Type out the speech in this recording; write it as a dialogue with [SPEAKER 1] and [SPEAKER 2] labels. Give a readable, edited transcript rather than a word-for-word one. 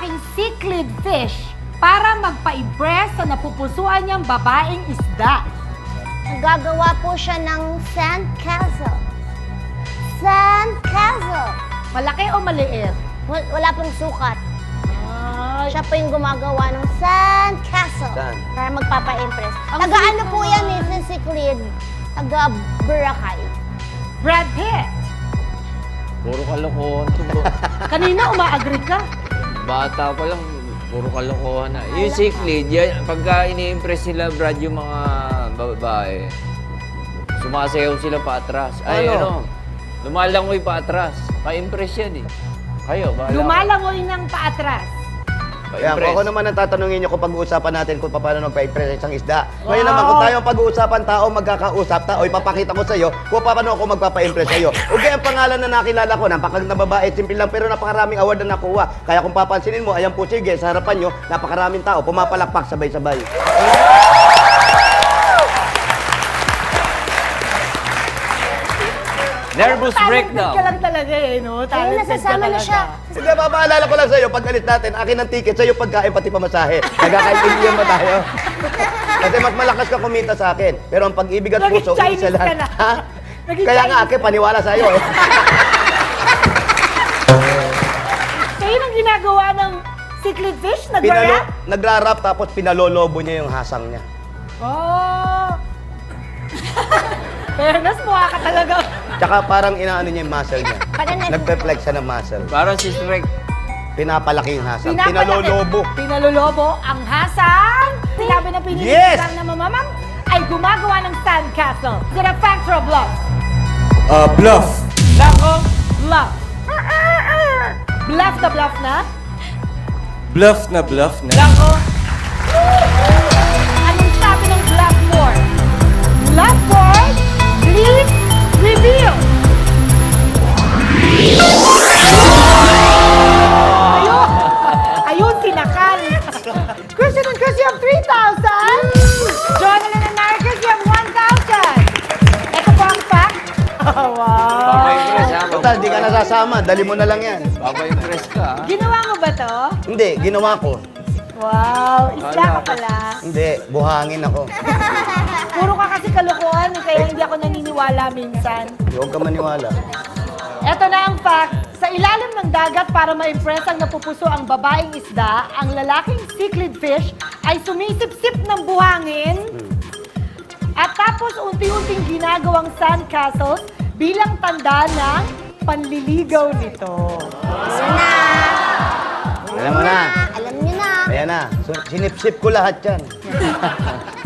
[SPEAKER 1] lalaking cichlid fish para magpa-impress sa napupusuan niyang babaeng isda?
[SPEAKER 2] Nagagawa po siya ng sand castle. Sand castle.
[SPEAKER 1] Malaki o maliit?
[SPEAKER 2] Wala pong sukat.
[SPEAKER 1] Ay,
[SPEAKER 2] Siya po yung gumagawa ng sand castle.
[SPEAKER 3] Saan?
[SPEAKER 2] Para magpapa-impress.
[SPEAKER 1] Ang
[SPEAKER 2] Taga-ano
[SPEAKER 1] sweet
[SPEAKER 2] po
[SPEAKER 1] naman.
[SPEAKER 2] yan, Mrs. Cichlid? Taga-Boracay.
[SPEAKER 1] Brad Pitt.
[SPEAKER 4] Puro kalokohan to, bro.
[SPEAKER 1] Kanina umaagree ka.
[SPEAKER 4] Bata pa lang, puro kalokohan na. Yung cichlid, yan, pagka ini-impress nila, Brad, yung mga babae, sumasayaw sila pa atras. Ay,
[SPEAKER 3] Ano?
[SPEAKER 4] lumalangoy pa atras. Pa-impress yan eh. Kayo, bahala.
[SPEAKER 1] Lumalangoy ng paatras.
[SPEAKER 3] Kaya
[SPEAKER 4] Pa-impress.
[SPEAKER 3] ako naman ang tatanungin niyo kung pag-uusapan natin kung paano magpa-impress isang isda. Ngayon naman kung tayo ang pag-uusapan, tao magkakausap, tao ipapakita ko sa iyo kung paano ako magpapa-impress sa iyo. Okay, ang pangalan na nakilala ko, napakaganda na babae, simple lang pero napakaraming award na nakuha. Kaya kung papansinin mo, ayan po sige, sa harapan niyo, napakaraming tao, pumapalakpak sabay-sabay.
[SPEAKER 4] Nervous
[SPEAKER 1] Talented
[SPEAKER 4] breakdown.
[SPEAKER 1] ka lang talaga eh, no? Talented
[SPEAKER 2] nasasama
[SPEAKER 1] ka
[SPEAKER 2] na
[SPEAKER 1] talaga.
[SPEAKER 2] siya.
[SPEAKER 3] Hindi, papaalala ko lang sa iyo, pag alis natin, akin ang ticket, sa iyo pagkain pati pamasahe. Nagkakaintindihan ba tayo? Kasi mas malakas ka kumita sa akin. Pero ang pag-ibig at
[SPEAKER 1] Naging
[SPEAKER 3] puso,
[SPEAKER 1] Chinese
[SPEAKER 3] isa lang.
[SPEAKER 1] ka na.
[SPEAKER 3] Ha?
[SPEAKER 1] Naging
[SPEAKER 3] Kaya nga,
[SPEAKER 1] Chinese
[SPEAKER 3] akin, paniwala sa iyo eh.
[SPEAKER 1] Kayo nang ginagawa ng cichlid fish? Nag-rap?
[SPEAKER 3] Nagra-rap tapos pinalolobo niya yung hasang niya.
[SPEAKER 1] Oh! Fairness, mukha ka talaga.
[SPEAKER 3] Tsaka parang inaano niya yung muscle niya.
[SPEAKER 2] Parang
[SPEAKER 3] Nagpe-flex siya ng muscle.
[SPEAKER 4] Parang si Shrek.
[SPEAKER 3] Pinapalaki yung hasang.
[SPEAKER 1] Pinapalaki-
[SPEAKER 3] Pinalolobo.
[SPEAKER 1] Pinalolobo ang hasang. Sinabi na pinili
[SPEAKER 3] Yes!
[SPEAKER 1] na mamamam ay gumagawa ng sandcastle. Is it a fact or a bluff?
[SPEAKER 5] Bluff.
[SPEAKER 1] Nako, bluff. Bluff na bluff na?
[SPEAKER 5] Bluff na bluff na.
[SPEAKER 1] Nako. Anong sabi ng blackboard? Blackboard, please reveal. Ayun! Ayun, sinakal. Christian and Chris, you have 3,000. Jonathan and Marcus, you have 1,000. Ito po ang fact. Oh, wow.
[SPEAKER 4] Papa-impress ha.
[SPEAKER 3] Total, di ka nasasama. Dali mo na lang yan.
[SPEAKER 4] Papa-impress ka ha.
[SPEAKER 1] Ginawa mo ba to?
[SPEAKER 3] Hindi, ginawa ko.
[SPEAKER 1] Wow, isda ka pala.
[SPEAKER 3] Hindi, buhangin ako.
[SPEAKER 1] Puro ka kasi kalokohan, kaya hindi ako naniniwala minsan.
[SPEAKER 3] Huwag ka maniwala.
[SPEAKER 1] Eto na ang fact. Sa ilalim ng dagat para ma-impress ang napupuso ang babaeng isda, ang lalaking cichlid fish ay sumisip-sip ng buhangin at tapos unti-unting ginagawang sandcastles bilang tanda ng panliligaw nito.
[SPEAKER 3] Alam mo na.
[SPEAKER 2] Alam niyo na.
[SPEAKER 3] Ayan na. So, sinip-sip ko lahat yan.